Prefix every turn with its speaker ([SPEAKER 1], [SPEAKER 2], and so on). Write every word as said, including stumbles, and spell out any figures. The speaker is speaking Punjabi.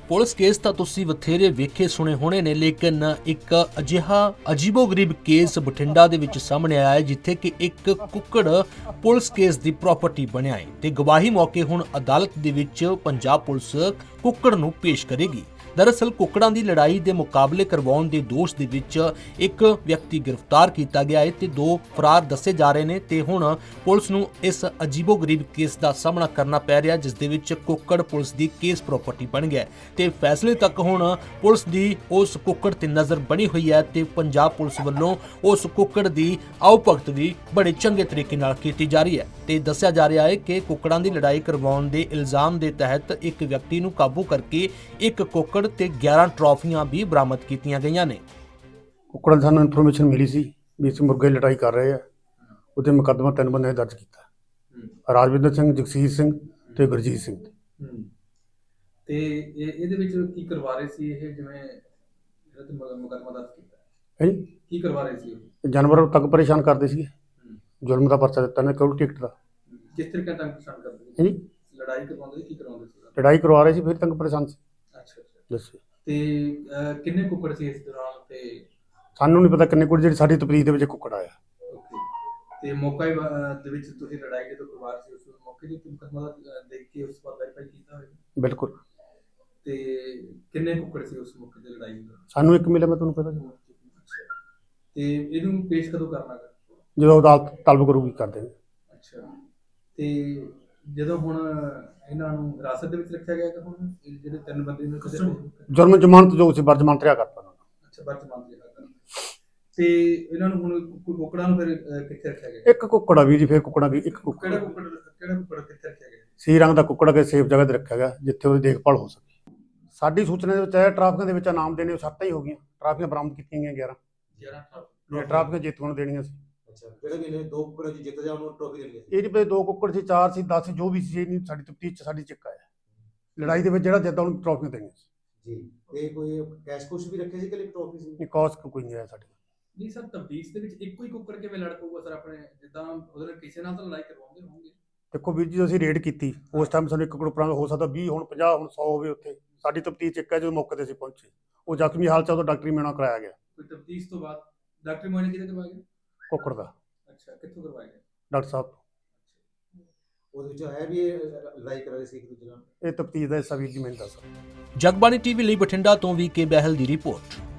[SPEAKER 1] ਪੁਲਿਸ ਕੇਸ ਤਾਂ ਤੁਸੀਂ ਬਥੇਰੇ ਵੇਖੇ ਸੁਣੇ ਹੋਣੇ ਨੇ, ਲੇਕਿਨ ਇੱਕ ਅਜਿਹਾ ਅਜੀਬੋ-ਗਰੀਬ ਕੇਸ ਬਠਿੰਡਾ ਦੇ ਵਿੱਚ ਸਾਹਮਣੇ ਆਇਆ ਹੈ ਜਿੱਥੇ ਕਿ ਇੱਕ ਕੁੱਕੜ ਪੁਲਿਸ ਕੇਸ ਦੀ ਪ੍ਰਾਪਰਟੀ ਬਣਿਆ ਹੈ ਤੇ ਗਵਾਹੀ ਮੌਕੇ ਹੁਣ ਅਦਾਲਤ ਦੇ ਵਿੱਚ ਪੰਜਾਬ ਪੁਲਿਸ ਕੁੱਕੜ ਨੂੰ ਪੇਸ਼ ਕਰੇਗੀ। दरअसल कुकड़ां दी लड़ाई दे मुकाबले करवाउण दे दोष दे विच एक व्यक्ति गिरफ्तार किया गया है ते दो फरार दसे जा रहे ने ते हुण पुलिस नूं इस अजीबो-गरीब केस दा सामना करना पै रिहा जिस दे विच कुकड़ पुलिस दी केस प्रॉपर्टी बन गया है ते फैसले तक हुण पुलिस दी उस कुकड़ ते नज़र बनी हुई है ते पंजाब पुलिस वल्लों उस कुकड़ दी आओ भगत भी बड़े चंगे तरीके नाल कीती जा रही है ते दस्सिया जा रहा है कि कुकड़ां दी लड़ाई करवाउण दे इल्जाम दे तहत एक व्यक्ति नूं काबू करके एक कुकड़ ਤੇ ਗਿਆਰਾਂ ਟਰਾਫੀਆਂ ਵੀ ਬਰਾਮਦ ਕੀਤੀਆਂ ਗਈਆਂ ਨੇ।
[SPEAKER 2] ਕੁੱਕੜਾਂ ਦੀ ਸਾਨੂੰ ਇਨਫੋਰਮੇਸ਼ਨ ਮਿਲੀ ਸੀ ਵੀ ਇਸ ਮੁਰਗੇ ਲੜਾਈ ਕਰ ਰਹੇ ਆ, ਉਹਦੇ ਮੁਕੱਦਮਾ ਤਿੰਨ ਬੰਦੇ ਦਰਜ ਕੀਤਾ, ਰਾਜਵਿੰਦਰ ਸਿੰਘ, ਜਗਸੀਰ ਸਿੰਘ ਤੇ ਗੁਰਜੀਤ ਸਿੰਘ।
[SPEAKER 3] ਤੇ ਇਹ ਇਹਦੇ ਵਿੱਚ ਕੀ ਕਰਵਾ ਰਹੇ ਸੀ ਇਹ, ਜਿਵੇਂ ਜਿਹੜਾ ਤੇ ਮੁਕੱਦਮਾ ਦਰਜ ਕੀਤਾ
[SPEAKER 2] ਹੈ
[SPEAKER 3] ਜੀ, ਕੀ ਕਰਵਾ ਰਹੇ ਸੀ?
[SPEAKER 2] ਜਾਨਵਰਾਂ ਨੂੰ ਤੰਗ ਪਰੇਸ਼ਾਨ ਕਰਦੇ ਸੀਗੇ, ਜ਼ੁਲਮ ਦਾ ਪਰਚਾ ਦਿੱਤਾ ਨੇ ਕਰੋੜ ਟਿਕਟ ਦਾ।
[SPEAKER 3] ਕਿਸ ਤਰੀਕੇ ਨਾਲ ਤੰਗ ਪਰੇਸ਼ਾਨ ਕਰਦੇ ਸੀ?
[SPEAKER 2] ਹਾਂਜੀ,
[SPEAKER 3] ਲੜਾਈ ਕਰਵਾਉਂਦੇ ਕੀ ਕਰਵਾਉਂਦੇ ਸੀ?
[SPEAKER 2] ਲੜਾਈ ਕਰਵਾ ਰਹੇ ਸੀ ਫਿਰ ਤੰਗ ਪਰੇਸ਼ਾਨ ਸੀ।
[SPEAKER 3] ਅੱਛਾ ਅੱਛਾ।
[SPEAKER 2] ਦੱਸੋ
[SPEAKER 3] ਤੇ ਕਿੰਨੇ ਕੁੱਕੜ ਸੀ ਇਸ ਦੌਰਾਨ? ਤੇ
[SPEAKER 2] ਸਾਨੂੰ ਨਹੀਂ ਪਤਾ ਕਿੰਨੇ ਕੁ, ਜਿਹੜੀ ਸਾਡੀ ਤਫਤੀਸ਼ ਦੇ ਵਿੱਚ ਕੁੱਕੜ ਆਇਆ।
[SPEAKER 3] ਓਕੇ। ਤੇ ਮੌਕਾ ਦੇ ਵਿੱਚ ਤੁਸੀਂ ਲੜਾਈ ਜਦੋਂ ਕਰਵਾ ਰਹੇ ਸੀ ਉਸ ਮੌਕੇ ਦੇ ਉੱਤੇ ਮੁਕੱਦਮਾ ਦੇਖ ਕੇ ਉਸ ਪਰ ਵੈਰੀਫਾਈ ਕੀਤਾ ਹੋਵੇਗਾ?
[SPEAKER 2] ਬਿਲਕੁਲ।
[SPEAKER 3] ਤੇ ਕਿੰਨੇ ਕੁੱਕੜ ਸੀ ਉਸ ਮੌਕੇ ਤੇ ਲੜਾਈ ਦਾ?
[SPEAKER 2] ਸਾਨੂੰ ਇੱਕ ਮਿਲਿਆ, ਮੈਂ ਤੁਹਾਨੂੰ ਪਤਾ।
[SPEAKER 3] ਅੱਛਾ। ਤੇ ਇਹਨੂੰ ਪੇਸ਼ ਕਦੋਂ ਕਰਨਾ ਗਾ?
[SPEAKER 2] ਜਦੋਂ ਅਦਾਲਤ ਤਲਬ ਕਰੂਗੀ ਕਰ ਦੇਣਗੇ। ਅੱਛਾ।
[SPEAKER 3] ਤੇ ਜਦੋਂ ਹੁਣ ਇਹਨਾਂ ਨੂੰ ਹਿਰਾਸਤ ਦੇ ਵਿੱਚ ਰੱਖਿਆ ਗਿਆ ਕਿ ਹੁਣ ਜਿਹੜੇ ਤਿੰਨ ਬੰਦੇ ਨੂੰ
[SPEAKER 2] ਜੁਰਮ ਜ਼ਮਾਨਤ ਜੋ ਸੀ ਬਰਜ਼ਮਾਨਤ ਰਿਹਾ ਕਰਤਾ ਉਹਨਾਂ ਨੂੰ।
[SPEAKER 3] ਅੱਛਾ, ਬਰਜ਼ਮਾਨਤ ਰਿਹਾ ਕਰਤਾ। ਤੇ ਇਹਨਾਂ ਨੂੰ ਹੁਣ ਕੁੱਕੜਾਂ ਨੂੰ ਫਿਰ ਕਿੱਥੇ ਰੱਖਿਆ ਗਿਆ?
[SPEAKER 2] ਇੱਕ ਕੁੱਕੜ ਆ ਵੀ ਜੀ, ਫਿਰ ਕੁੱਕੜਾਂ ਦੀ ਇੱਕ ਕੁੱਕੜ।
[SPEAKER 3] ਕਿਹੜਾ ਕੁੱਕੜ ਕਿਹੜਾ ਕੁੱਕੜ ਕਿੱਥੇ ਰੱਖਿਆ ਗਿਆ?
[SPEAKER 2] ਸੀ ਰੰਗ ਦਾ ਕੁੱਕੜ ਕੇ ਸੇਫ ਜਗ੍ਹਾ ਤੇ ਰੱਖਿਆ ਗਿਆ ਜਿੱਥੇ ਉਹਦੀ ਦੇਖਭਾਲ ਹੋ ਸਕੇ। ਸਾਡੀ ਸੂਚਨਾ ਦੇ ਵਿੱਚ ਆਇਆ ਟਰਾਫੀਆਂ ਦੇ ਵਿੱਚ ਇਨਾਮ ਦੇਣੇ ਸੱਤ ਹੀ ਹੋ ਗਈਆਂ, ਟਰਾਫੀਆਂ ਬਰਾਮਦ ਕੀਤੀਆਂ ਗਈਆਂ ਗਿਆਰਾਂ
[SPEAKER 3] ਗਿਆਰਾਂ
[SPEAKER 2] ਟਰਾਫੀਆਂ ਟਰਾਫੀਆਂ ਜੇਤੂਆਂ ਨੂੰ ਦੇਣੀਆਂ ਸੀ।
[SPEAKER 4] ਅੱਛਾ, ਜਿਹੜੇ ਵੀ ਨੇ ਦੋ ਕੁੱਕੜ ਜੀ ਜਿੱਤ ਜਾ ਉਹਨੂੰ ਟਰੋਫੀ ਦੇਣੀ ਸੀ।
[SPEAKER 2] ਇਹ ਨਹੀਂ ਪਤਾ ਦੋ ਕੁੱਕੜ ਸੀ, ਚਾਰ ਸੀ, ਦਸ ਸੀ, ਜੋ ਵੀ ਸੀ, ਇਹ ਨਹੀਂ ਸਾਡੀ ਤਫਤੀਸ਼ ਚ ਸਾਡੀ ਚੱਕਾ ਆਇਆ। ਲੜਾਈ ਦੇ ਵਿੱਚ ਜਿਹੜਾ ਜਿੱਤਦਾ ਉਹਨੂੰ ਟਰਾਫੀਆਂ ਦੇਣੀਆਂ ਸੀ
[SPEAKER 4] ਜੀ। ਤੇ ਕੋਈ ਕੈਸ਼ ਕੁਸ਼ ਵੀ ਰੱਖੇ ਸੀ ਕਿ ਲਿਖ ਟਰੋਫੀ ਸੀ?
[SPEAKER 2] ਨਹੀਂ, ਕੌਸ ਕੋਈ ਨਹੀਂ ਆਇਆ ਸਾਡੇ।
[SPEAKER 3] ਨਹੀਂ ਸਰ, ਤਬਦੀਸ ਦੇ ਵਿੱਚ ਇੱਕੋ ਹੀ ਕੁੱਕੜ ਕਿਵੇਂ ਲੜ ਪਊਗਾ ਸਰ? ਆਪਣੇ ਜਿੱਦਾਂ ਉਹਦੇ ਨਾਲ ਕਿਸੇ ਨਾਲ ਤਾਂ ਲੜਾਈ ਕਰਵਾਉਂਦੇ ਹੋਣਗੇ।
[SPEAKER 2] ਦੇਖੋ ਵੀਰ ਜੀ, ਅਸੀਂ ਰੇਡ ਕੀਤੀ ਉਸ ਟਾਈਮ ਸਾਨੂੰ ਇੱਕ ਕੁੱਕੜ ਪੁਰਾਣਾ ਹੋ ਸਕਦਾ ਵੀਹ, ਹੁਣ ਪੰਜਾਹ, ਹੁਣ ਸੌ ਹੋਵੇ। ਉੱਥੇ ਸਾਡੀ ਤਫਤੀਸ਼ ਇੱਕ ਹੈ, ਜਦੋਂ ਮੌਕੇ ਤੇ ਅਸੀਂ ਪਹੁੰਚੇ ਉਹ ਜ਼ਖਮੀ ਹਾਲਤ ਚ, ਉਦੋਂ ਡਾਕਟਰੀ ਮੁਆਇਨਾ ਕਰਾਇਆ ਗਿਆ।
[SPEAKER 3] ਕੋਈ ਤਬਦੀਸ ਤੋਂ ਬਾਅਦ ਡਾਕਟਰੀ ਮੁਆਇਨਾ ਕਿਹਦੇ ਕਰਵਾਇਆ ਗਿਆ?
[SPEAKER 2] ਕੁੱਕੜ ਦਾ।
[SPEAKER 3] ਅੱਛਾ, ਕਿੱਥੋਂ ਕਰਵਾਇਆ ਗਿਆ?
[SPEAKER 2] ਡਾਕਟਰ ਸਾਹਿਬ ਤੋਂ।
[SPEAKER 4] ਉਹਦੇ ਵਿੱਚ ਹੈ ਵੀ ਇਹ ਲੜਾਈ ਕਰ ਰਹੇ ਸੀ ਇੱਕ ਦੂਜੇ ਨਾਲ।
[SPEAKER 2] ਇਹ ਤਫਤੀਸ਼ ਦਾ ਹਿੱਸਾ ਵੀਰ ਜੀ ਮੈਨੂੰ ਦੱਸ।
[SPEAKER 1] ਜਗਬਾਣੀ ਟੀਵੀ ਲਈ ਬਠਿੰਡਾ ਤੋਂ ਵੀ ਕੇ ਬਹਿਲ ਦੀ ਰਿਪੋਰਟ।